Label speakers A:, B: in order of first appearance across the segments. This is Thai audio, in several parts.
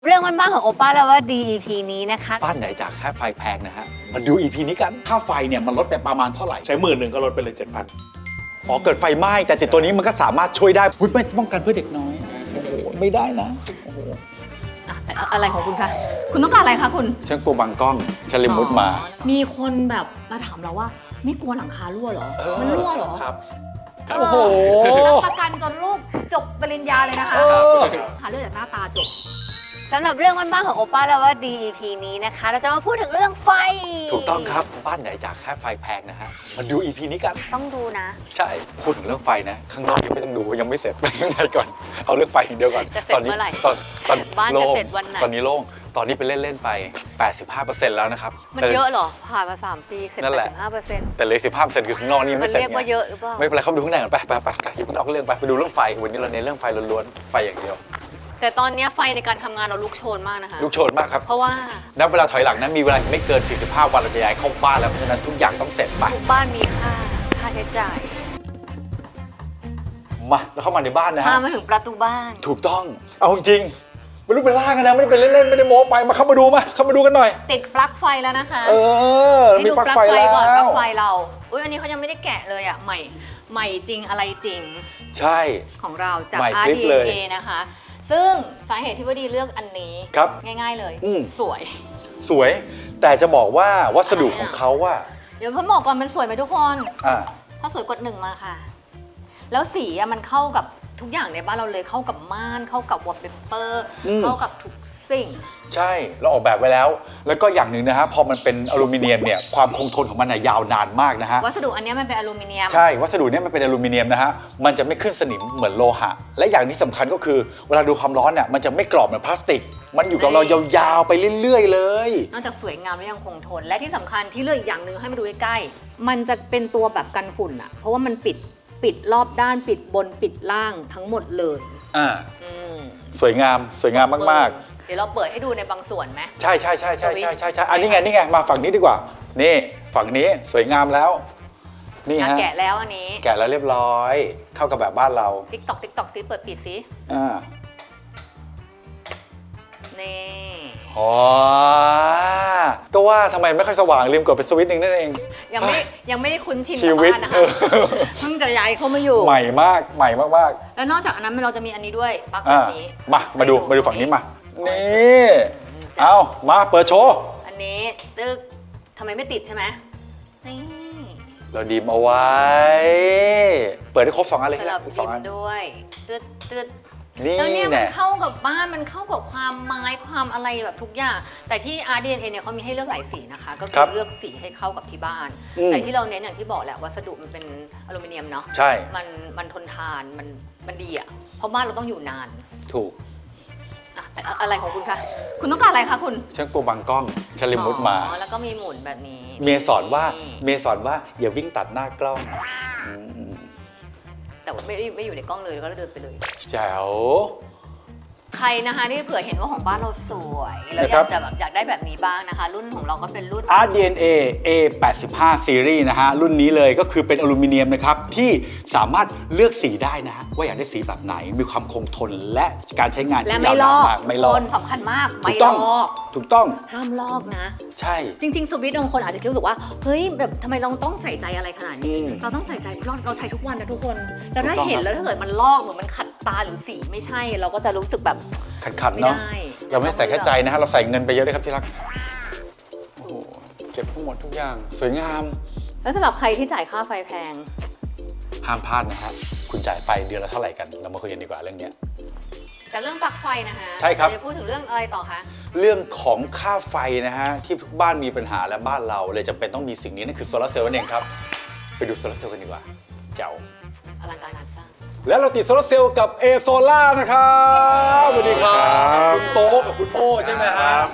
A: เรื่องบ้านๆของโอป้าแล้วว่าดี EP นี้นะคะ
B: บ้านไหนจากค่าไฟแพงนะฮะมาดู EP นี้กัน
C: ค่าไฟเนี่ยมันลดไปประมาณเท่าไหร่ใช้10,000ก็ลดไปเลย 7,000
B: อ๋อเกิดไฟไหม้แต่ติดตัวนี้มันก็สามารถช่วยได้อุ๊ยไม่ป้องกันเพื่อเด็กน้อยโอ้โหไม่ได้นะโอ้โห
A: อะไรของคุณคะ
D: คุณต้องการอะไรคะคุณ
B: ฉันกลัวบังกล้องฉันเลยมุดมา
D: มีคนแบบมาถามเราว่า ไม่กลัวหลังคารั่วเหรอ มันรั่วเหรอ
C: ครับ
D: โอ้โหรับประกันจนลูกจบปริญญาเลยนะคะหาเรื่องจากหน้าตาจบ
A: สำหรับเรื่องบ้านๆของโอป้าแล้วว่าดี EP นี้นะคะ เราจะมาพูดถึงเรื่องไฟ
B: ถูกต้องครับบ้านไหนจากค่าไฟแพงนะฮะมาดู EP นี้กัน
A: ต้องดูนะ
B: ใช่พูดถึงเรื่องไฟนะข้างนอกยังไม่ต้องดูยังไม่เสร็จไปข้างในก่อนเอาเรื่องไฟอย่างเดียวก่อน
A: จะเสร็จเมื่อไหร่
B: ตอน
A: บ้านจะ
B: โล่ง
A: เสร็จวันไหน
B: ตอนนี้โล่งตอนนี้ไปเล่นๆไป 85%แล้วนะครับ
A: มันเยอะเหรอ ผ่านมา3 ปีเสร็จ
B: นั่นแหละ
A: 85%
B: แต่เลย15%คือข้างนอกนี่ยัง
A: มั
B: ไม่
A: น
B: เสร็จ
A: เรียกว่า
B: ไง
A: เยอะหรือเปล่า
B: ไม่เป็นไรเข้าไปดูข้างในก่อนไปอย่าเพิ่งออกเรื่องไปดูเรื่องไฟวันนี้เราเน้นเรื่องไฟล้วนๆไฟอย่างเดียว
A: แต่ตอนนี้ไฟในการทำงานเราลุกโชนมากนะคะ
B: ลูกโชนมากครับ
A: เพราะว่า
B: นับเวลาถอยหลังนั้นมีเวลาไม่เกิน 45 วันเราจะย้ายเข้าบ้านแล้วเพราะฉะนั้นทุกอย่างต้องเสร็จไป
A: ทุกบ้านมีค่าใช้จ่าย
B: มาแล้วเข้ามาในบ้านนะ
A: พา
B: ฮะ
A: มาถึงประตูบ้าน
B: ถูกต้องเอาจริงๆไม่รู้เป็นล่างกันนะไม่ได้เป็นเล่นๆไม่ได้โม้ไปมาเข้ามาดูกันหน่อย
A: ติดปลั๊กไฟแล้วนะคะ
B: มี
A: ให้ดู
B: ปลั๊กไฟแล้
A: ก่อนปลั๊
B: ว
A: กไฟเราอุ้ยอันนี้เขายังไม่ได้แกะเลยอ่ะใหม่จริงอะไรจริง
B: ใช่
A: ของเราจาก
B: ใหม่คลิปเลย
A: RDNA นะคะ ซึ่งสาเหตุที่ว่าดีเลือกอันนี้
B: ครับ
A: ง่ายๆเลย สวย
B: สวยแต่จะบอกว่าวัสดุของเขาว่า
A: เดี๋ยวพ่อบอกก่อนมันสวยไหมทุกคน
B: อ่า
A: ถ้าสวยกด1มาค่ะ แล้วสีอะมันเข้ากับทุกอย่างในบ้านเราเลยเข้ากับม่านเข้ากับวอลเปเปอร์เข้ากับทุกสิ่ง
B: ใช่เราออกแบบไว้แล้ว แล้วก็อย่างหนึ่งนะฮะพอมันเป็นอลูมิเนียมเนี่ยความคงทนของมันน่ะยาวนานมากนะฮะ
A: วัสดุอันเนี้ยมันเป็นอลูมิเนียม
B: ใช่วัสดุเนี่ยมันเป็นอลูมิเนียมนะฮะมันจะไม่ขึ้นสนิมเหมือนโลหะ และอย่างที่สำคัญก็คือเวลาดูความร้อนเนี่ยมันจะไม่กรอบเหมือนพลาสติก มันอยู่กับเรายาวๆไปเรื่อยๆเลย
A: นอกจากสวยงามแล้วยังคงทน และที่สำคัญที่เลือกอีกอย่างหนึ่งให้มาดูใกล้ๆมันจะเป็นตัวแบบกันฝุ่นอะเพราะว่ามันปิดรอบด้านปิดบนปิดล่างทั้งหมดเลย
B: อ่า
A: อืม
B: สวยงามมาก
A: เดี๋ยวเราเปิดให้ดูในบางส่วนไหม
B: ๆ ใช่อันนี้ไงมาฝั่งนี้ดีกว่า นี่ฝั่งนี้สวยงามแล้ว นี่
A: อ่ะ
B: ฮะ
A: แกะแล้วอันนี้
B: แกะแล้วเรียบร้อย เข้ากับแบบบ้านเรา
A: ติ๊กตอกซิเปิดปิดซิ
B: อ่า
A: นี่
B: อ๋อก็ว่าทำไมไม่ค่อยสว่างลืมกดไปสวิตช์หนึ่งนั่นเอง
A: ยังไม่ได้คุ้นชิน
B: ชี
A: กับ
B: วิต
A: บ้านนะคะเพิ่งจะย้ายเข้ามาอยู่
B: ใหม่มาก
A: แล้วนอกจากอันนั้นเราจะมีอันนี้ด้วยปลั๊ก
B: ๆ
A: แบบนี้
B: มาดูฝั่งนี้มา นี่เอามาเปิดโชว์
A: อันนี้ตึกทำไมไม่ติดใช่ไหมนี่
B: เราดีมเอาไว้ เปิดได้ครบ2อันเลย
A: สลับ
B: ส
A: ดิ
B: อง
A: ม
B: อัน
A: ด้วยตึด
B: นี่
A: แล้วเนี่ยมัน
B: แน่
A: เข้ากับบ้านมันเข้ากับความไม้ความอะไรแบบทุกอย่าง แต่ที่ RDNA เนี่ยเขามีให้เลือกหลายสีนะคะ ก็คือเลือกสีให้เข้ากับที่บ้าน แต่ที่เราเน้นอย่างที่บอกแหละวัสดุมันเป็นอลูมิเนียมเนาะ
B: ใช่
A: มันทนทานมันดีอ่ะเพราะบ้านเราต้องอยู่นาน
B: ถูก
A: อะอะไรของคุณคะ
D: คุณต้องการอะไรคะคุณ
B: ฉันกลัวบังกล้องฉันเลยมุดมา
A: อ๋อแล้วก็มีหมุนแบบนี้
B: เมียสอนว่าอย่าวิ่งตัดหน้ากล้องอืม
A: แต่ว่าไม่อยู่ในกล้องเลยแล้วก็เดินไปเลย
B: แจ๋ว
A: ใครนะคะที่เผื่อเห็นว่าของบ้านเราสวยแล้วอ
B: นะครั
A: ยา
B: บ
A: กจะแบบอยากได้แบบนี้บ้างนะคะ รุ่นของเราก็เป็นรุ่น
B: RDNA A85 Series นะฮะรุ่นนี้เลยก็คือเป็นอลูมิเนียมนะครับที่สามารถเลือกสีได้นะฮะว่าอยากได้สีแบบไหนมีความคงทนและการใช้งาน
A: และ
B: ที่
A: ไม่
B: ยาว
A: ล
B: นา
A: อน ก
B: มากไม่ลอก
A: คนสำคัญมาก
B: ถู
A: ไม่
B: ก
A: ล
B: ต้อง
A: อก
B: ถูกต้อง
A: ห้ามลอกนะ
B: ใช่
A: จริง ๆ สวิตช์บางคนอาจจะคิดรู้สึกว่าเฮ้ยแบบทำไมเราต้องใส่ใจอะไรขนาดนี้ เราต้องใส่ใจเราใช้ทุกวันนะทุกคนแต่ถ้า
B: ถูกต้อง
A: เห็น
B: ครับ
A: แล้วถ้าเกิดมันลอกหรือมันขัดตาหรือสีไม่ใช่ เราก็จะรู้สึกแบบ
B: ขัดๆเนาะ
A: ไม่ได้
B: เราไม่ใส่แค่ใจนะฮะเราใส่เงินไปเยอะเลยครับที่รักโอ้โหเก็บทั้งหมดทุกอย่างสวยงาม
A: แล้วสำหรับใครที่จ่ายค่าไฟแพง
B: ห้ามพลาดนะฮะคุณจ่ายไฟเดือนละเท่าไหร่กันเรามาคุยกันดีกว่าเรื่องเนี้ย
A: แต่เรื่องปลั๊กไฟนะคะ
B: ใช่ครับ
A: เาจะพูดถึงเรื่องอะไรต่อคะ
B: เรื่องของค่าไฟนะฮะที่ทุกบ้านมีปัญหาและบ้านเราเลยจำเป็นต้องมีสิ่งนี้นั่นคือโซลาร์เซลล์นั่นเองครับไปดูโซลาร์เซลล์กันดีกว่าเจ๋ว
A: อลังการงานสร้าง
C: แล้วเราติดโซลาร์เซลล์กับ A Solar นะครับสวัสดีครับคุณโต๊ะกับคุณโป้ใช่ไหมครับ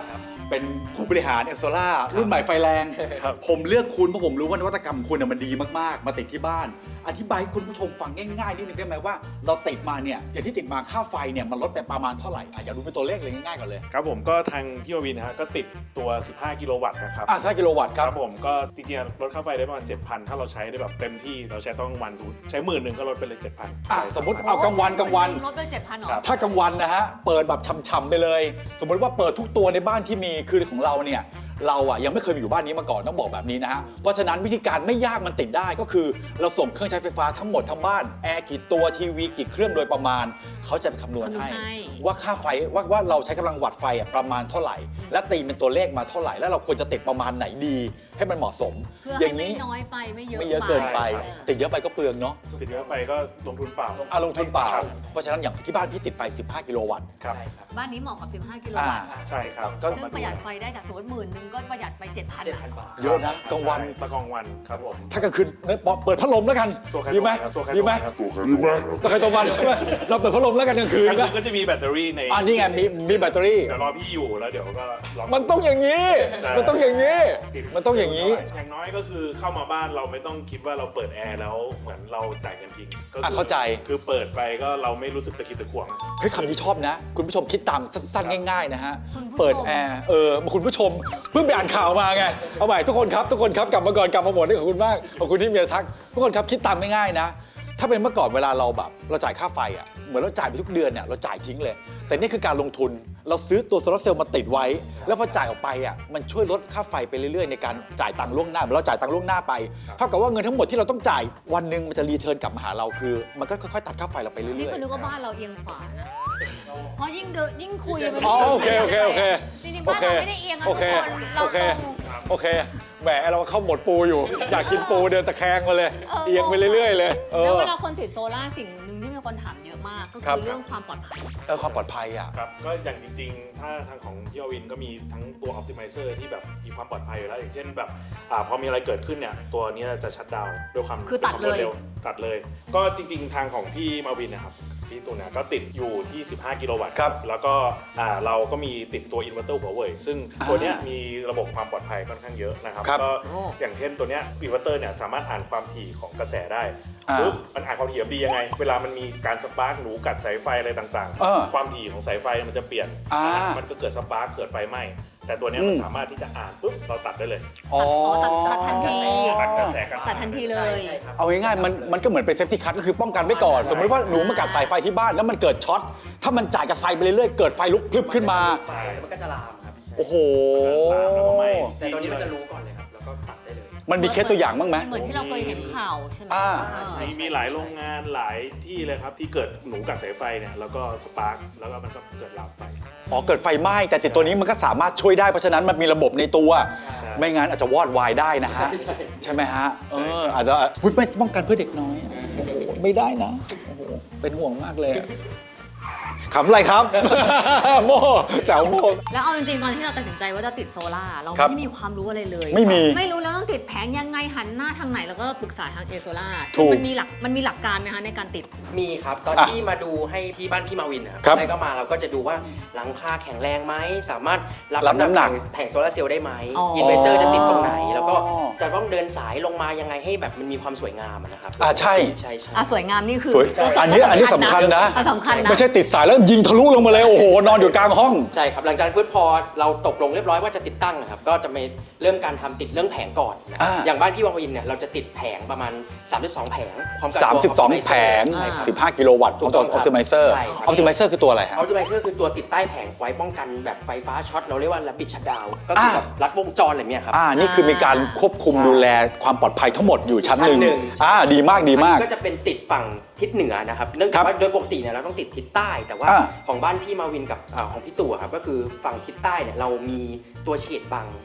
B: เป็นผู้บริหารเอสโซล่ารุ่นใหม่ไฟแรง ผมเลือกคุณเพราะผมรู้ว่านวัตกรรมคุณมันดีมากๆมาติดที่บ้านอธิบายให้คุณผู้ชมฟังง่ายๆนิดนึงได้ไหมว่าเราติดมาเนี่ยอย่างที่ติดมาค่าไฟเนี่ยมันลดไปประมาณเท่าไหร่อยากดูเป็นตัวเลขเลยง่ายๆก่อนเลย
C: ครับผมก็ทางพี่ววินนะฮะก็ติดตัว 15 กิโลวัตต์นะครับ
B: 5 กิโลวัตต์ค
C: ครับ รับผมก็จริงๆลดค่าไฟได้ประมาณ 7,000 ถ้าเราใช้ได้แบบเต็มที่เราใช้ต้องวันดูใช้10,000ก็ลดไปเลย 7,000
B: สมมติเอากลางวัน
A: ลดด้วย 7,000หรอ
C: ครับ
B: ถ้ากลางวันนะฮะเปิดแบบช่ำๆไปเลย สมมติว่าเปิดทุกตัวในบ้านที่มีคือของเราเนี่ยเราอ่ะยังไม่เคยมีอยู่บ้านนี้มาก่อนต้องบอกแบบนี้นะฮะเพราะฉะนั้นวิธีการไม่ยากมันติดได้ก็คือเราส่งเครื่องใช้ไฟฟ้าทั้งหมดทั้งบ้านแอร์กี่ตัวทีวีกี่เครื่องโดยประมาณเขาจะคำนวณให้ว่าค่าไฟว่าเราใช้กำลังวัตต์ไฟอ่ะประมาณเท่าไหร่ และตีเป็นตัวเลขมาเท่าไหร่แล้วเราควรจะติดประมาณไหนดีให้มันเหมาะสม
A: เพื่อ
B: อ
A: ให้
B: ย่าง
A: ไม่
B: นี้
A: น้อยไปไม่เยอะ
B: ไม่เยอะเกินไป
C: ใช่
B: ติดเยอะไปก็เปลืองเนาะ
C: ติดเยอะไปก็ลงทุนเปล่า
B: ลงทุนเปล่า
C: ครับ
B: เพราะฉะนั้นอย่างที่บ้านพี่ติดไป 15 กิโลวัตต์
C: ครับ
A: บ้านนี้เหมาะกับ 15 กิโล
B: อ่า
A: วัตต์
C: ใช่ครับ
B: ก็
A: ซึ่งประหยัดไฟได้จากสมมติ10,000ก็ประหยัดไป 7,000
E: 7,000 บาท
B: เยอะนะกลางวัน
C: ใช่กลางวันครับผม
B: ถ้ากลางคืนเปิดพัดลมแล้วกัน
C: ตัวใคร
B: ดีไหม
C: ตัวใคร
B: ดีไหม
C: ครับ
B: ตัวใครตัวมันใช่ไหมเราเปิดพัดลมแล้วกันกลางคืน
C: กลาง
B: นะ
C: คืนก็จะมีแบตเตอรี่ใน
B: นี่ไงมีแบตเตอรี่
C: เดี๋ยวรอพี่อยู่แล้วเดี๋ยวก็ลอง
B: มันต้องอย่างนี้
C: ใช่
B: มันต้องอย่างนี้
C: ติด
B: มันต้องอย่างนี้
C: อย่างน้อยก็คือเข้ามาบ้านเราไม่ต้องคิดว่าเราเปิดแอร์แล้วเหมือนเราจ่ายเงินทิ้งก็คือ
B: เข้าใจ
C: คือเปิดไปก็เราไม่รู้สึกตะขิดตะขวง
B: เฮ้ยคำนี้ชอบนะ คุณผู้ชมคิดตามสั้นๆง่ายๆนะฮะ
A: คุณผู้ชม
B: เปิดแอร์คุณผู้ชมเพิ่งไปอ่านข่าวมาไงเอาใหม่ทุกคนครับกลับมาก่อนกลับมาหมดนี่ขอบคุณมากขอบคุณที่มีทักทุกคนครับคิดตามง่ายๆนะ ถ้าเป็นเมื่อก่อนเวลาเราแบบเราจ่ายค่าไฟอ่ะเหมือนเราจ่ายไปทุกเดือนเนี่ยเราจ่ายทิ้งเลย แต่นี่คือการลงทุนเราซื้อตัวโซลาร์เซลล์มาติดไว้ แล้วพอจ่ายออกไปอ่ะมันช่วยลดค่าไฟไปเรื่อยๆในการจ่ายตังค์ล่วงหน้าเหมือนเราจ่ายตังค์ล่วงหน้าไปเท่ากับว่าเงินทั้งหมดที่เราต้องจ่ายวันหนึ่งมันจะรีเทิร์นกลับมาหาเราคือ มันก็ค่อยๆตัดค่าไฟเราไป
A: นี่
B: เรื่อย
A: คือนึกว่าบ้านเราเอียงขวานะ เพราะยิ่งเดินยิ่งคุยมัน
B: อ๋อโอเค
A: จริงๆบ้านเราไม่ได้เอียงนะทุกคนเราตรง
B: โอเคแหมเราเข้าหมดปูอยู่ อยากกินปูเดินตะแคงมาเลยเอียงไปเรื่อยๆเลย
A: แล้วเวลาคนติดโซล่าสิ่งหนึ่งที่มีคนถามเยอะมากก็
B: ครั
A: คื
B: บ
A: อเรื่องความปลอดภัย
B: ความปลอดภัยอ่ะ
C: ครับก็อย่างจริงๆ ถ้าทางของพี่อวินก็มีทั้งตัว Optimizer ที่แบบมีความปลอดภัยอยู่แล้วอย่างเช่นแบบพอมีอะไรเกิดขึ้นเนี่ยตัวนี้จะชัตดาวน์ด้วยความ
A: คือตัดเลย
C: วามรวร็วตัดเลย ก็จริงๆทางของพี่มาวินนะครับพี่ตูนเนี่ยก็ติดอยู่ที่ 15 กิโลวัตต์
B: ครับ
C: แล้วก็เราก็มีติดตัวอินเวอร์เตอร์หัวเว่ยซึ่งตัวเนี้ยมีระบบความปลอดภัยค่อนข้างเยอะนะครับ
B: ครับ
C: ก็อย่างเช่นตัวเนี้ยอินเวอร์เตอร์เนี่ยสามารถอ่านความถี่ของกระแสได้ ปุ๊บมันอ่านความถี่ดียังไง เวลามันมีการสปาร์กหนูกัดสายไฟอะไรต่าง
B: เออ
C: ๆ ความถี่ของสายไฟมันจะเปลี่ยน มันก็เกิดสปาร์กเกิดไฟไหม้แต่ตัวเนี้ยมันสามารถที่จะอ่านปุ๊บเราตัดได้เลย
A: ตัดทันที
C: ตัดกระแสกัน
A: ตัดทันทีเลย
E: ใช่ครับ
B: เอาง่ายๆมันก็เหมือนเป็นเซฟตี้คัทก็คือป้องกันไว้ก่อน สมมติว่าหนูมากัดสายไฟที่บ้านแล้วมันเกิดช็อตถ้ามันจ่ายกับไฟไปเรื่อยๆเกิดไฟลุกพลึบขึ้นมา
E: ไฟแล้วมันก็จะลามครับ
B: โอ้โห
C: แล้วก็ไหม้
E: แต่ตัวนี้มันจะรู้ก่อนเลยครับ แล้วก็ตัดได้เลย
B: มันมีเคสตัวอย่างบ้างไหม
A: เหมือนที่เราเคยเห็นข่าวใช่ไหม
C: มีหลายโรงงานหลายที่เลยครับที่เกิดหนูกัดสายไฟเนี่ยแล้วก็สปาร์กแล้วก็มันก็เกิดลามไป
B: เกิดไฟไหม้แต่ติดตัวนี้มันก็สามารถช่วยได้เพราะฉะนั้นมันมีระบบในตัว ไม่งั้นอาจจะวอดวายได้นะฮะ ใช่ไหมฮะอาจจะไม่ป้องกันเพื่อเด็กน้อยโอ้โหไม่ได้นะโอ้โหเป็นห่วงมากเลยขำอะไรครับ โม่แซวโม่
A: แล้วเอาจริงๆตอนที่เราตัดสินใจว่าจะติดโซล่าเรา
B: ครับ
A: ไม่มีความรู้อะไรเลย
B: ไม่มี
A: ไม่รู้แล้วต้องติดแผงยังไงหันหน้าทางไหนแล้วก็ปรึกษาทางเอโซล่า
B: ถูก
A: มันมีหลักการไหมคะในการติด
E: มีครับ ตอน
B: อ่ะ
E: ที่มาดูให้ที่บ้านพี่มาวินนะครับ
B: ครับ
E: แล้วก็มาเราก็จะดูว่าหลังคาแข็งแรงไหมสามารถ
B: รับน้ำหนัก
E: แผงโซลาร์เซลล์ได้ไหม
A: อ๋ออิ
E: อินเวอร์เตอร์จะติดตรงไหน แล้วก็จะต้องเดินสายลงมายังไงให้แบบมันมีความสวยงามอะนะครับ
B: ใช่
E: ใช่
A: สวยงามนี่คือ
B: สวยอันนี้สำคัญนะ
A: สำคัญนะ
B: ไม่ใช่ติดสายแล้วยิงทะลุลงมาเลยโอ้โหนอนอยู่กลางห้อง
E: ใช่ครับหลังจากนั้นพอเราตกลงเรียบร้อยว่าจะติดตั้งนะครับก็จะไปเริ่มการทำติดเรื่องแผงก่อนนะ อย่างบ้านพี่วังวินเนี่ยเราจะติดแผงประมาณ 32 แผงพร้อมกับตัว
B: 32 แผง
E: ใช่ครับ
B: 15 กิโลวัตต์ของตัว Optimizer
E: ใช่ครับ
B: Optimizer คือตัวอะไรฮะ
E: ออ t ติไมเซอร์คือตัวติดใต้แผงไว้ป้องกันแบบไฟฟ้าช็อตเราเรียกว่า Rapid Shutdown ก็คือแบบรัดวงจรอะไรเงี้ยครับ
B: นี่คือมีการควบคุมดูแลความปลอดภัยทั้งหมดอยู่ชั้นหนึ่ง
E: ชั้นหนึ่ง
B: ดีมากดีมาก
E: อันนี้ก็จะเป็นติดฝั่งทิศเหนือนะครับเนื่อง
B: ครั
E: จาก
B: บ
E: ว่าโดยปกติเนี่ยเราต้องติดทิศใต้ แต่ว่า
B: อ่า
E: ของบ้านพี่มาวินกับของพี่ตู่อะครับก็คือฝั่งทิศใต้เนี่ยเรามีตัวเฉดบัง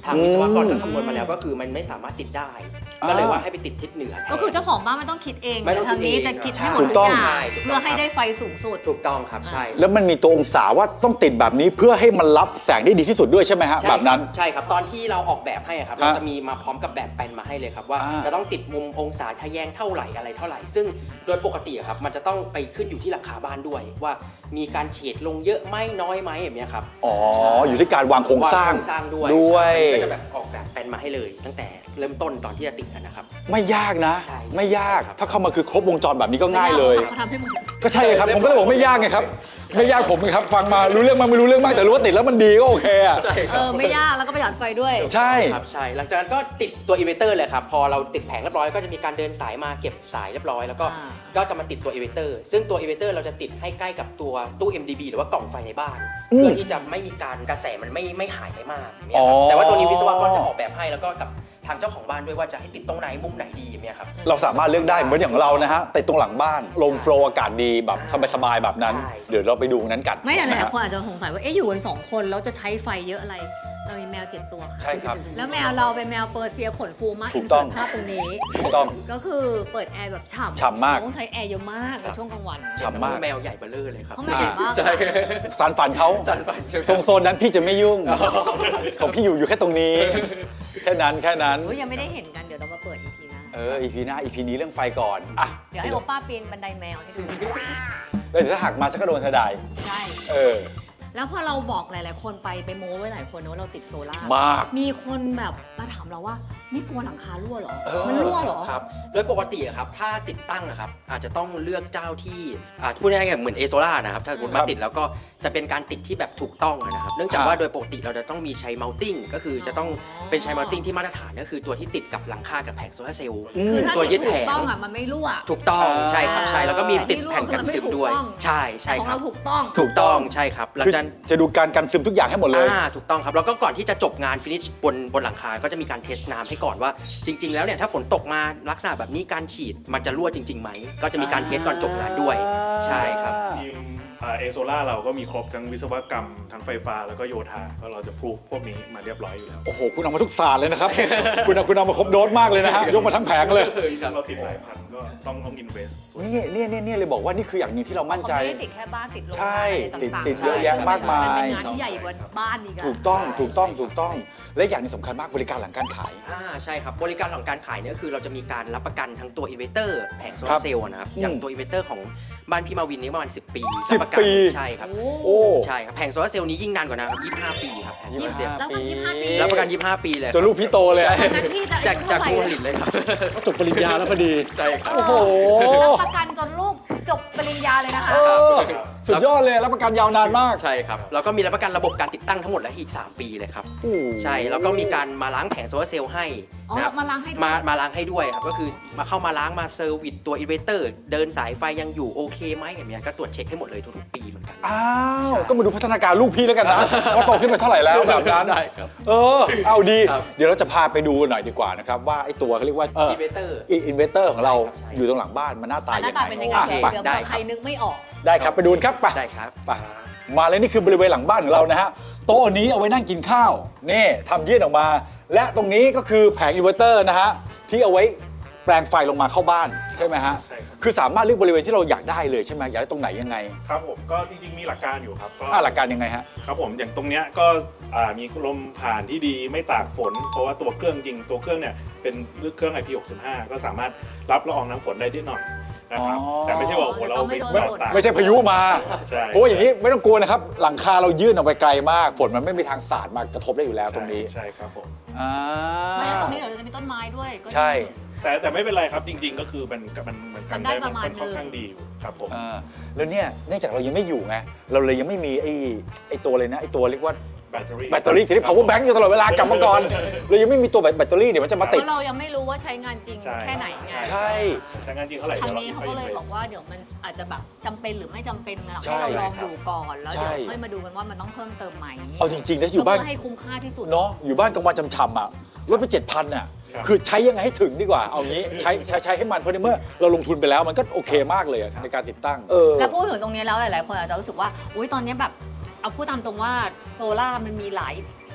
E: ทางวิศวกรก็คำนวณมาแล้วก็คือมันไม่สามารถติดได้ ก็เลยว่าให้ไปติดทิศเหนือแทน
D: ก็คือเจ้าของบ้านไม่ต้องคิดเอง
E: ไม่ต้อง
D: ทางนี้
E: คิดเอง
D: จะคิดให้หม
B: ถู
D: ด
B: ก
D: ทุ
B: ต้
D: ก
B: อง
D: อย่าง
E: ใช่
D: เพื่อให้ได้ไฟสูงสุด
E: ถูกต้องครับใช่
B: แล้วมันมีตัวองศาว่าต้องติดแบบนี้เพื่อให้มันรับแสงได้ดีที่สุดด้วยใช่ไหมฮะ
E: ใช่
B: แบบนั้น
E: ใช่ครับตอนที่เราออกแบบให้อะครับเราจะมีมาพร้อมกับแบบแปลนมาให้เลยครับว่า
B: อ่า
E: จะต้องติดมุมองศาทะแยงเท่าไหร่อะไรเท่าไหร่ ซึ่งโดยปกติอะครับมันจะต้องไปขึ้นอยู่ที่หลังคาบ้านด้วย ว่ามีการเฉดลงเยอะไหมน้อยไหมแบบเนี้ยครับ
B: อ๋ออยู่ที่การวางโครงสร้าง
E: วโครงสร้างด้วย
B: ด้วย
E: ก็จะแบบออกแบบแปลนมาให้เลย ตั้งแต่เริ่มต้นตอนที่จะติดนะครับ
B: ไม่ยากนะ
E: ใช่
B: ไม่ยาก
E: ครับ
B: ถ้าเข้ามาคือครบวงจรแบบนี้ก็ง่ายเลย
D: เขาทำให้หมด
B: ก็ใช่ครับผมก็เลยบอกไม่ยากไงครับไม่ยากผมครับฟังมารู้เรื่องมากไม่รู้เรื่องมากแต่รู้ว่าติดแล้วมันดีก็โอเคอะ
E: ใช่ครับ
D: ไม่ยากแล้วก็ประหยัดไฟด้วย
B: ใช่
E: ครับใช่หลังจากนั้นก็ติดตัวอินเวอร์เตอร์เลยครับพอเราติดแผงเรียบร้อยก็จะมีการเดินสายมาเก็บสายเรียบร้อยแล้วก็
D: อ่า
E: ก็จะมาติดตัวอินเวอร์เตอร์ซึ่งตัวอินเวอร์เตอร์เราจะติดให้ใกล้กับตัวตู้ MDB หรือว่ากล่องไฟในบ้าน
B: อืม
E: เพื่อที่จะไม่มีการกระแสมันไม่หายไปมากอย่างเงี้ย
B: อ๋
E: ค
B: อ
E: รับแต่ว่าตัวนี้วิศวกรจะออกแบบให้แล้วก็กับทางเจ้าของบ้านด้วยว่าจะให้ติดตรงไหนมุมไหนดีอย่างเงี้ยครับ
B: เราสามารถเลือกได้เหมือนอย่างเรานะฮะติดตรงหลังบ้านลมโฟลว์อากาศดีแบบสบายๆแบบนั้น
E: ใช่
B: เดี๋ยวเราไปดูนั้นกัน
D: ไม่แต่ห
B: นะ
D: ลาย
B: ฮะ
D: คนอาจจะสงสัยว่าอยู่กัน2 คนแล้วจะใช้ไฟเยอะอะไร เรามีแมว 7 ตัวค่ะ
B: ใช่ครับ
D: แล้วแมวเราเป็นแมวเปอร์เซียขนฟูมาก
B: ถูกต้อง
D: เสิร์ตภาพตรงนี้
B: ถูกต้อง
D: ก็คือเปิดแอร์แบบฉ่ำ
B: ฉ่ำมาก
D: ต้องใช้แอร์เยอะมากในช่วงกลางวัน
B: ฉ่ำมาก
E: แมวใหญ่เบ้อเร่อเลยครับ
D: เขาแมวใหญ่มาก
E: ใช่
B: สารฝันเขา
E: สันฝันใช่ไหม
B: ตรงโซนนั้นพี่จะไม่ยุ่งของพี่อยู่แค่ตรงนี้ แค่นั้น
D: โอ้ยยังไม่ได้เห็นกันเดี๋ยวเรามาเปิด EP หน้า
B: EP หน้า EP นี้เรื่องไฟก่อนอ่ะ
D: เดี๋ยวให้โอป้าปีนบันไดแมวให้ดู
B: แล้วเดี๋ยวถ้าหักมาฉันก็โดนเธอได้
D: ใช่
B: เออ
D: แล้วพอเราบอกหลาย ๆ คนไปโม้ไว้หลายคนนะว่าเราติดโซล่าร์
B: มาก
D: มีคนแบบมาถามเราว่าไม่กลัวหลังคารั่วเหรอ
B: เออ
D: มันรั่วเหรอ
E: ครับโดยปกติอะครับถ้าติดตั้งอะครับอาจจะต้องเลือกเจ้าที่พูดง่ายๆเหมือนเอโซล่านะครับถ้าคุณมาติดแล้วก็จะเป็นการติดที่แบบถูกต้องนะครับเนื่องจากว่าโดยปกติเราจะต้องมีใช้เมาติ้งก็คือจะต้องเป็นใช้เมาติ้งที่มาตรฐานก็คือตัวที่ติดกับหลังคากับแผงโซลาร์เซลล์
D: คือถ้า
E: ตัวยึดแผ
D: ถู
E: ง
D: กต้องอ่ะมันไม่รั่ว
E: ถูกต้องใช่ครับใช่แล้วก็มีติดแผ่นกันซึมด้วย
D: แต่ที่รั่วคือมันไม่ถูกต้อง
E: ใช่ใช่
D: ของ
E: ครั
D: เรา
E: บ
D: ถูกต้อง
E: ถูกต้องใช่ครับหลัง
B: คือ
E: จาก
B: จะดูการกันซึมทุกอย่างให้หมดเลย
E: ถูกต้องครับแล้วก็ก่อนที่จะจบงานฟินิชบนหลังคาก็จะมีการเทสน้ำให้ก่อนว่าจริง ๆ แล้วเนี่ยถ้าฝนตกมาลักษณะแบบนี้การฉีดมันจะรั่วจริงๆไหมก็จะมีการเทสก่อนจบงานด้วยใช่ครับ
C: ทีมเอโซล่าเราก็มีครบทั้งวิศวกรรมทั้งไฟฟ้าแล้วก็โยธาก็เราจะพรูฟพวกนี้มาเรียบร้อยอยู่แล้ว
B: โอ้โห คุณเอามาทุกศาสตร์เลยนะครับ คุณเอามาครบโดสมากเลยนะฮะ ยกมาทั้งแผงเลย
C: ซึ่งเราติดหลายพันก็ต้องอินเวส
B: นี่เลยบอกว่านี่คืออย่างหนึงที่เรามั่นใจ
D: เขาไม่ได้ติดแค่บ้านติดโรงงาน
B: ใช่
D: อะไรต่างๆ
B: ติดเยอะแยะมากมาย
D: นเป็นงานที่ใหญ่กว่าบ้านอีกอะ
B: ถูกต้อง และอย่างหนี้สำคัญมากบริการหลังการขาย
E: ใช่ครับบริการของการขายเนี่ยก็คือเราจะมีการรับประกันทั้งตัวอินเวอร์เตอร์แผงโซลาร์เซลล์นะครับอย่างตัวอินเวอร์เตอร์ของบ้านพี่มาวินนี่ประมาณ10 ปี
B: 10
E: รับประกัน
B: ปี
E: ใช่ครับ
B: โอ้
E: ใช่ครับแผงโซลาร์เซลล์นี้ยิ่งนานกว่านะครับ25 ปีครับแผงโซลาร์เซลล์
D: แล้ว25 ปี
E: รับประกัน 25 ปีเลย
B: จนลูกพี่โตเลยอะ
D: ทั้งที่จะ
E: จาก
D: อายุ
E: ผู้ผ
D: เท่าไหร่
E: ลิตเลยครับ
B: เขาจบปริญญาแล้วพอดี
E: ใช่ครับ
B: โอ้โห
D: รับประกันจนลูกจบปริญญาเลยนะคะ
B: เออสุดยอดเลยรับประกันยาวนานมาก
E: ใช่ครับแล้วก็มีรับประกันระบบการติดตั้งทั้งหมดและอีก 3 ปีเลยครับ
B: โอ้โห
E: ใช่แล้วก็มีการมาล้างแผงโซลาร์เซลล์ให้
D: อ๋อ
E: นะครับ
D: มาล้างให้ด้วย
E: มาล้างให้ด้วยครับก็คือมาเข้ามาล้างมาเซอร์วิสตัวอินเวอร์เตอร์เดินสายไฟยังอยู่โอเคไหมอย่างเงี้ยก็ตรวจเช็คให้หมดเลยทุกๆปีเหมือนกัน
B: อ้าว
E: ใช่
B: ก็มาดูพัฒนาการลูกพี่แล้วกันนะ ว่าโตขึ้นไปเท่าไหร่แล้วแบบนั้น
E: ได้ครับ
B: เอาดี
E: ครับ
B: เดี๋ยวเราจะพาไปดูหน่อยดีกว่านะครับว่าไอ้ตัวเขาเรียกว่า
E: อินเวอร์เตอร์
B: อินเวสเตอร์ของเรา
E: ใช่ครับ
B: อยู่ตรงหลังบ้านมันหน้าตา
D: หน้าตาเป็นยังไง
B: อ่ะ
D: เดี๋ยว
B: ไป
D: เผื่อ
E: ได้
D: ใครนึกไม่ออก
B: ได้ครับไปดูกันครับไป
E: ได้ครับ
B: ไปมาเลยนี่คือบริเวณหลังบ้านของเรานะฮะโต๊ะนี้เอาไว้นั่งกินข้าวนี่ทำยื่นออกมา และตรงนี้ก็คือแผงอินเวอร์เตอร์นะฮะที่เอาไว้แปลงไฟลงมาเข้าบ้านใช่ไหมฮะ
C: ใช่ครับ
B: คือสามารถเลือกบริเวณที่เราอยากได้เลยใช่ไหมอยากได้ตรงไหนยังไง
C: ครับผมก็จริงๆมีหลักการอยู่ครับก็
B: หลักการยังไงฮะ
C: ครับผมอย่างตรงเนี้ยก็มีลมผ่านที่ดีไม่ตากฝน เพราะว่าตัวเครื่องจริงตัวเครื่องเนี่ยเป็นเครื่อง IP65 ก็สามารถรับละอองน้ำฝนได้นิดหน่อยนะครับ
B: อ๋อ
C: แต่ไม่ใช่ว่าโอ้โหเราไป
D: ไม่
C: ตาก
B: ไม่ใช่พายุมา
C: ใช่
B: เพราะว่าอย่างนี้ไม่ต้องกลัวนะครับหลังคาเรายื่นออกไปไกลมากฝนมันไม่มีทางสาดมากระทบได้อยู่แล้วตรงนี้
C: ใช่ครับผม
B: อ่า
D: ไม่แล้วตรงนี้เดี๋ยวจะมีต้นไม้ด้วยก็ดี
B: ใช่
C: แต่ไม่เป็นไรครับจริง ๆ ก็คือมันเหมือนกัน
D: มันได้
C: ได้
D: ประมาณ
C: ค่อน
D: นึง
C: ข้างดีอยู่ครับผม
B: แล้วเนี่ยเนื่องจากเรายังไม่อยู่ไงเราเลยยังไม่มีไอ้ตัวเลยนะไอ้ตัวเรียกว่า
C: แบตเตอรี่
B: แบตเตอรี่ที่ power bank อยู่ตลอดเวลากลับมาก่อนเรายังไม่มีตัวแบตเตอรี่เดี๋ยวมันจะมา
D: เพ
B: ติด
D: ราะเรายังไม่รู้ว่าใช้งานจริง
C: ใช่
D: แค่ไหนไง
B: ใช่
C: ใช้งานจริงเท่าไหร่
D: ทาง
C: ดี๋ยว
D: นี้เขาก็เลยบอกว่าเดี๋ยวมันอาจจะแบบจำเป็นหรือไม่จำเป็นนะ
B: ใช่
D: ให้เราลองดูก่อนแล้ว
B: ใช่
D: เดี๋ยวค่อยมาดูกันว่ามันต้องเพิ่มเติมไหม
B: เอาจริงๆนะอยู่บ้าน
D: เพื่อให้คุ้มค่าที่สุด
B: เนาะอยู่บ้านกลางวันจำๆอ่ะลดไป 7,000อ่ะ
C: ครับ
B: คือใช้ยังไงให้ถึงดีกว่าเอางี้ใช้ให้มันเพราะในเมื่อเราลงทุนไปแล้วมันก็โอเคมากเลยอะในการติดตั้ง
D: แล้วพูดถึงตรงนี้แล้วหลายๆคนอาจจะรู้สึกว่าอุ้ยตอนนี้แบบเอาพูดตามตรงว่าโซล่าร์มันมีหล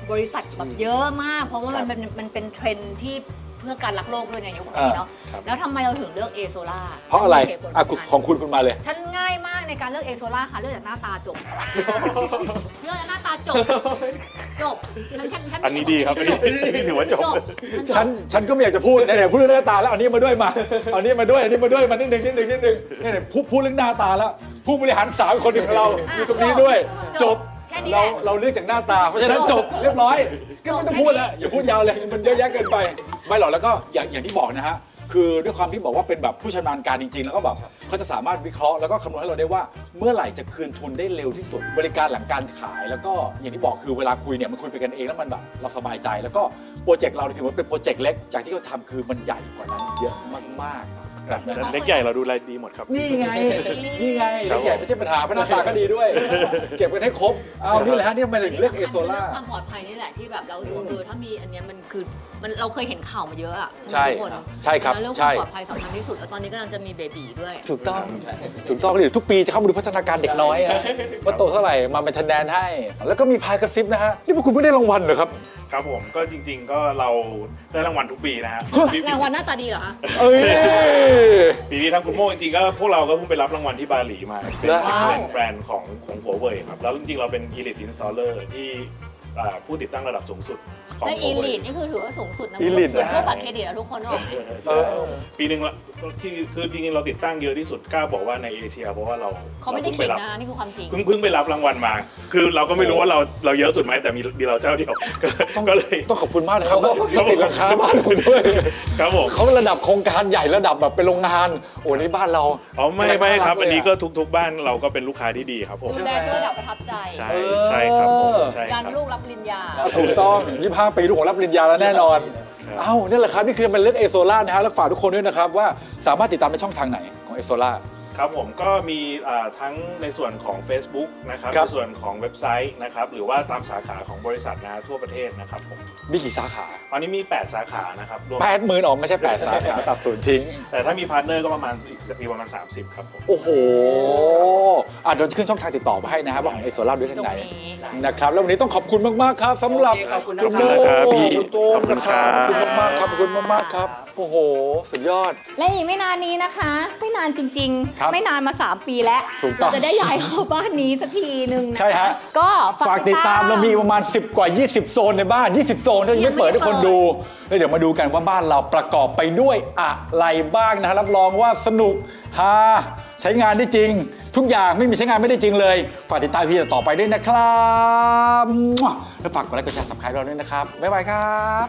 D: บริษัทแบบเยอะมาก เพราะว่ามันเป็นเทรนด์ที่เพื่อการรักโลกด้วยในยุคนี้เนาะ
C: ครับ
D: แล้วทำไมเราถึงเลือกเอโซล่า
B: เพราะอะไรอ่ะของคุณมาเลย
D: ฉันง่ายมากในการเลือกเอโซล่าค่ะเลือกจากหน้าตาจบ เลือกจากหน้าตาจบฉัน
C: อันนี้ดีครับอันนี้ถือว่าจบ
B: ฉันก็ไม่อยากจะพูดไหนๆพูดเรื่องหน้าตาแล้วเอานี้มาด้วยมาเอานี้มาด้วยอันนี้มาด้วยมานิดนึงเนี่ยพูดเรื่องหน้าตาแล้วผู้บริหาร3 คนของเราอยู่ตรงนี้ด้วยจบ
D: แค่นี้แหละ
B: เราเลือกจากหน้าตาเพราะฉะนั้นจบเรียบร้อยก็ไม่ต้องพูดแล้วอย่าพูดยาวเลยมันเยอะแยะเกินไปไม่หรอกแล้วก็อย่างที่บอกนะฮะคือด้วยความที่บอกว่าเป็นแบบผู้ชำนาญการจริงๆแล้วก็แบบเขาจะสามารถวิเคราะห์แล้วก็คำนวณให้เราได้ว่าเมื่อไหร่จะคืนทุนได้เร็วที่สุดบริการหลังการขายแล้วก็อย่างที่บอกคือเวลาคุยเนี่ยมันคุยไปกันเองแล้วมันแบบเราสบายใจแล้วก็โปรเจกต์เราถือว่าเป็นโปรเจกต์เล็กจากที่เขาทำคือมันใหญ่กว่านั้นเยอะมากๆแบบนั้น
C: เล็กใหญ่เราดูแลดีหมดครับ
B: นี่ไงเล็กใหญ่ไม่ใช่ปัญหาเพราะหน้าตาก็ดีด้วย เก็บกันให้ครบเอานี่แหละฮะนี่มันเรียกเอโซล่า
D: ความปลอดภัยนี่แหละที่แบบเราถ้ามีอันเนี้ยมันคือมันเราเคยเห็นข่าวมาเยอะอะ
B: ใช่
D: ทุกคน
B: ใช่ครับ
D: แล้วเรื่องค
B: ใช่
D: วามปลอดภัยสำคัญที่สุดแล้วตอนนี้กำลังจะมีเบบีด้วย
B: ถูกต้องเดี๋ยวทุกปีจะเข้ามาดูพัฒนาการเด็กน้อยฮะว่าโตเท่าไหร่มาเป็นคะแนนให้ แล้วก็มีพายกระซิบนะฮะนี่พวกคุณไม่ได้รางวัลเหรอครับ
C: ครับผมก็จริง ๆ ก็เราได้รางวัลทุกปีนะฮะ
D: รางวัลหน้าตาดีเหรอคะ
B: เอ้ย
C: ปีนี้ทางคุณโม่จริงๆก็พวกเราก็เพิ่งไปรับรางวัลที่บาหลีมาเป็น
B: ว้าว
C: แบรนด์ของหัวเว่ยครับแล้วจริงๆเราเป็น Elite Installer ที่ผู้ติดตั้งระดับสูงสุดของ
D: ใน
C: หั
D: อี
C: วเว่
D: ลี
C: ย
D: ดนี่คือถือว่าสูงสุดนะ
B: Elite
D: เหมือนพวกบัตรเครดิตอะทุกคนบอก
C: ใช่ปีหนึ่งละที่คือจริงๆเราติดตั้งเยอะที่สุดกล้าบอกว่าในเอเชียเพราะว่าเรา
D: เขาไม่ได้
C: พิ่
D: ขิ
C: ง
D: ง
C: รับ
D: นะนี่คือความจริง
C: เพิ่งไปรับรางวัลมา คือเราก็ไม่รู้ว่าเราเยอะสุดไหมแต่มีเราเจ้าเดียว ก็เลย
B: ต้องขอบคุณมากนะครับที่ติดราคาบ้านคุณด้วย
C: ครับผม
B: เขาระดับโครงการใหญ่ระดับแบบเป็นโรงงานโอ้นี่บ้านเรา
C: อ๋อไม่ครับ
B: เลย
C: อันนี้ก็ทุกบ้านเราก็เป็นลูกค้าที่ดีครับผม
D: ดูแลด้วยระดับประทับใจ
C: ใช่ครับผมใช่
D: ยั
C: คน รับ
D: ลูกรับปริญญา
B: ถูกต้อง25 ปีลูกของรับปริญญาแล้วแน่นอน
C: ครับ
B: เอ้านี่แหละครับนี่คือมันเลือกเอโซล่านะฮะแล้วฝากทุกคนด้วยนะครับว่าสามารถติดตามในช่องทางไหนของเอโซล่า
C: ครับผมก็มีทั้งในส่วนของ Facebook นะครับ
B: ครับ
C: ในส่วนของเว็บไซต์นะครับหรือว่าตามสาขาของบริษัทนะทั่วประเทศนะครับผม
B: มีกี่สาขา
C: ตอนนี้มี 8 สาขานะครับรวม
B: 80,000ออกไม่ใช่8สาขาตัดศูนย์ทิ้ง
C: แต่ถ้ามีพาร์ทเนอร์ก็ประมาณอีกปีประมาณ 30 ครับผม
B: โอ้โหเดี๋ยวจะขึ้นช่องทางติดต่อมาให้นะครับว่าของเอโซล่าด้วยทางไหน
D: ตรงนี้
B: นะครับแล้ววันนี้ต้องขอบคุณมากๆครับสำหรับ
E: โอเคขอบคุณนะ
B: คุณ
E: ค
B: โม
E: รับ
C: พี่
B: คุณโต้งนะครับขอบคุณมากๆครับขอบคุณมากๆครับโอ้โหสุดยอด
D: และอีกไม่นานนี้นะคะ ไม่นานจริง
B: ครับ
D: ๆ ไม่นานมา 3 ปีแล้ว
B: ถูกต้อง
D: เราจะได้ย้ายเข้าบ้านนี้สักทีหนึ่งนค
B: ใช่ฮะ
D: ก็
B: ฝากติดตามเรามีประมาณ10 กว่า 20 โซนในบ้าน 20 โซนที่ยังไม่เปิดให้คนดูแล้วเดี๋ยวมาดูกันว่าบ้านเราประกอบไปด้วยอะไรบ้างนะฮะรับรองว่าสนุกฮาใช้งานได้จริง ทุกอย่างไม่มีใช้งานไม่ได้จริงเลย ฝากติดตามพี่ต่อไปด้วยนะครับมั่วแล้วฝากกดไลค์กดแชร์สับสไครต์เราด้วยนะครับ บ๊ายบายครับ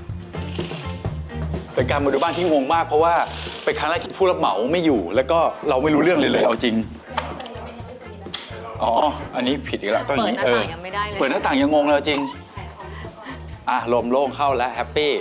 B: เป็นการมาดูบ้านที่งงมากเพราะว่าเป็นครั้งแรกที่ผู้รับเหมาไม่อยู่ แล้วก็เราไม่รู้เรื่องเลยเอาจริงอ๋ออันนี้ผิดอีกแล้วก็อย่
A: เปิด
B: นี้
A: หน้าต่างยังไม่ได้เลย
B: เปิดหน้าต่างยังงงเลยจริง ลมโล่งเข้าแล้วแฮปปี้